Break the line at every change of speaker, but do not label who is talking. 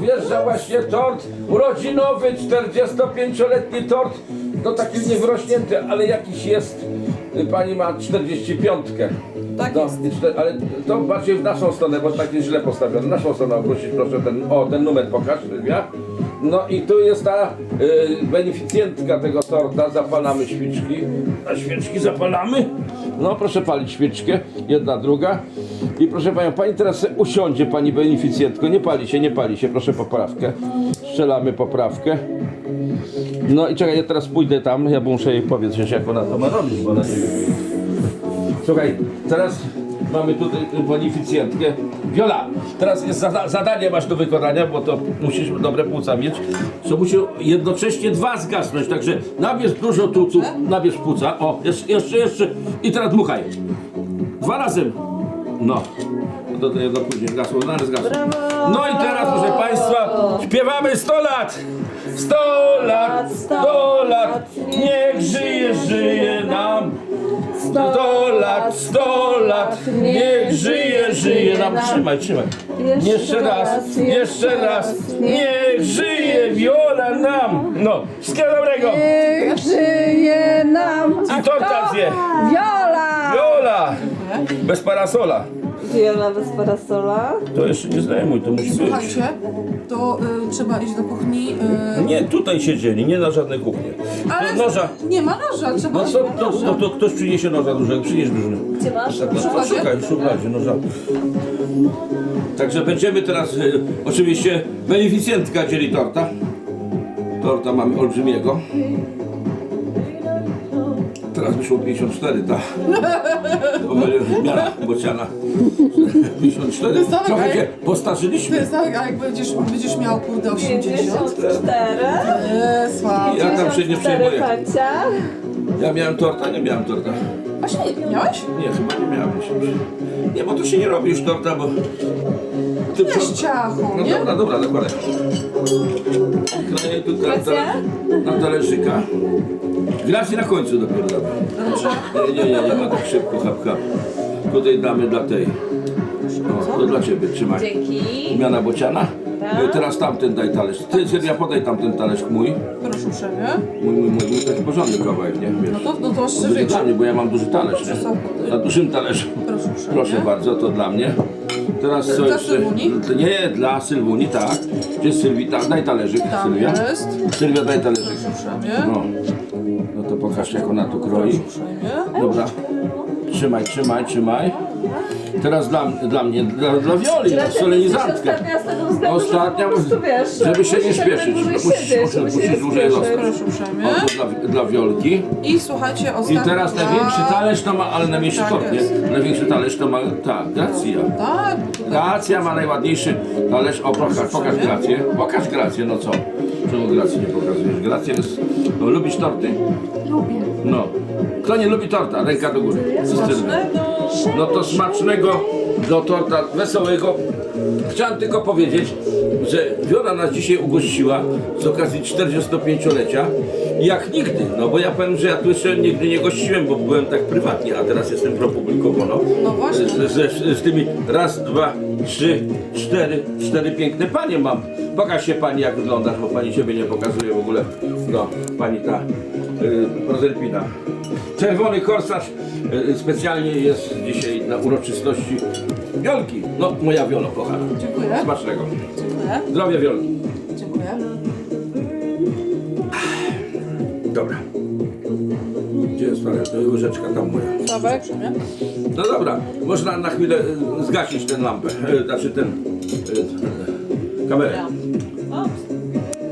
wjeżdża właśnie tort urodzinowy, 45-letni tort. To taki niewrośnięty, ale jakiś jest. Pani ma 45.
Tak
No,
jest.
ale to bardziej w naszą stronę, bo tak jest źle postawione. Naszą stronę obrócić proszę ten numer pokaż, Sylwia. No i tu jest ta beneficjentka tego torta, zapalamy świeczki. A świeczki zapalamy? No proszę palić świeczkę, jedna, druga. I proszę panią, pani teraz se usiądzie, pani beneficjentko, nie pali się, proszę poprawkę. Strzelamy poprawkę. No i czekaj, ja teraz pójdę tam, ja muszę jej powiedzieć, jak ona to ma robić, bo ona nie wie. Słuchaj, teraz mamy tutaj beneficjentkę. Wiola, teraz jest zadanie masz do wykonania, bo to musisz dobre płuca mieć. Co musi jednocześnie dwa zgasnąć, także nabierz dużo tuców, nabierz płuca. O, jeszcze. I teraz dmuchaj. Dwa razem. No. Do jedno później zgasło, naraz zgasło. No i teraz, proszę państwa, śpiewamy 100 lat! 100 lat, 100 lat, niech żyje nam. 100 lat, 100 lat, niech żyje nam. Trzymaj. Jeszcze raz, niech żyje Wiola nam. No, wszystkiego dobrego.
Niech żyje nam.
I torta zje.
Wiola!
Bez parasola.
Wiola bez parasola.
To jeszcze nie zdejmuj, to musi być.
Słuchajcie, to trzeba iść do kuchni.
Nie, tutaj siedzieli, nie na żadnej kuchni.
Ale
To noża.
nie ma noża, trzeba
No
iść
to,
po noża.
to ktoś przyniesie noża dużego, przynieś dużego.
Gdzie masz?
Tak, no,
szufladzie?
szukaj, w szufladzie noża. Także będziemy teraz, oczywiście beneficjentka dzieli torta. Torta mamy olbrzymiego. Teraz wyszło 54, ta. Miara bociana. 54.
jest tak,
Trochę
jak-
się
To
postarzyliśmy.
jest tak, a jak będziesz miał kurde 80.
54.
Słabo.
Ja tam się nie przejmuję.
Pancia.
Ja miałem torta, nie miałem torta.
Właśnie miałeś?
Nie, chyba nie miałem. Nie, bo to się nie robi już torta, bo... Ty
Weź ciachu,
No
nie?
dobra, dokładnie. Kraję tu na talerzyka. Gracji na końcu dopiero damy.
Dobrze.
Nie ma tak szybko, hap. Tutaj damy dla tej. O, to dla ciebie, trzymaj.
Dzięki.
Miana bociana.
Tak.
Teraz tamten daj talerz. Ty, Sylwia, podaj tamten talerz mój.
Proszę uprzejmie.
Mój taki porządny kawałek, nie? Wiesz.
No to masz
Duży
większy.
dla mnie, bo ja mam duży talerz,
Proszę
nie?
sobie.
Na dużym talerzu.
Proszę uprzejmie.
Proszę bardzo, to dla mnie. Teraz co
Dla
jeszcze?
Sylwuni?
Nie, dla Sylwuni, tak. Gdzie jest Sylwita? Daj talerzyk,
Tam
Sylwia.
jest.
Sylwia, daj talerzyk.
Proszę uprzejmie.
No. No to pokaż, jak ona tu kroi.
Proszę uprzejmie.
Dobra. Trzymaj. Teraz dla mnie, dla Wioli, na solenizantkę.
Ostatnia z tego względu,
Ostatnia,
że po prostu wiesz,
żeby się nie
musisz jak
śpieszyć.
najdłużej
Musisz
siedzieć,
dłużej zostać.
Proszę uprzejmie.
O, to dla Wiolki.
I słuchajcie,
I
ostatnia.
teraz największy talerz to ma, ale najmniejszy
Tak
tort, nie?
jest.
Największy talerz to ma ta, Gracja.
Tak.
Gracja ma najładniejszy talerz. O, pokaż Grację. Pokaż Grację, no co? Czemu Gracji nie pokazujesz? Gracja jest... No, lubisz torty?
Lubię.
No. Kto nie lubi torta? Ręka do góry. No to smacznego do torta wesołego. Chciałem tylko powiedzieć, że Wiola nas dzisiaj ugościła z okazji 45-lecia. Jak nigdy, no bo ja powiem, że ja tu jeszcze nigdy nie gościłem, bo byłem tak prywatnie, a teraz jestem propublikowo, no.
No właśnie.
Z tymi raz, dwa, trzy, cztery piękne panie mam. Pokaż się pani, jak wyglądasz, bo pani siebie nie pokazuje w ogóle. No, pani ta Proserpina. Czerwony korsarz specjalnie jest dzisiaj na uroczystości Wiolki. No, moja Wiolo, kochana.
Dziękuję.
Smacznego.
Dziękuję.
Zdrowia Wiolki.
Dziękuję.
Dobra. Gdzie jest łyżeczka? Tam moja.
Sławek.
No dobra, można na chwilę zgasić tę lampę, znaczy kamerę.
O,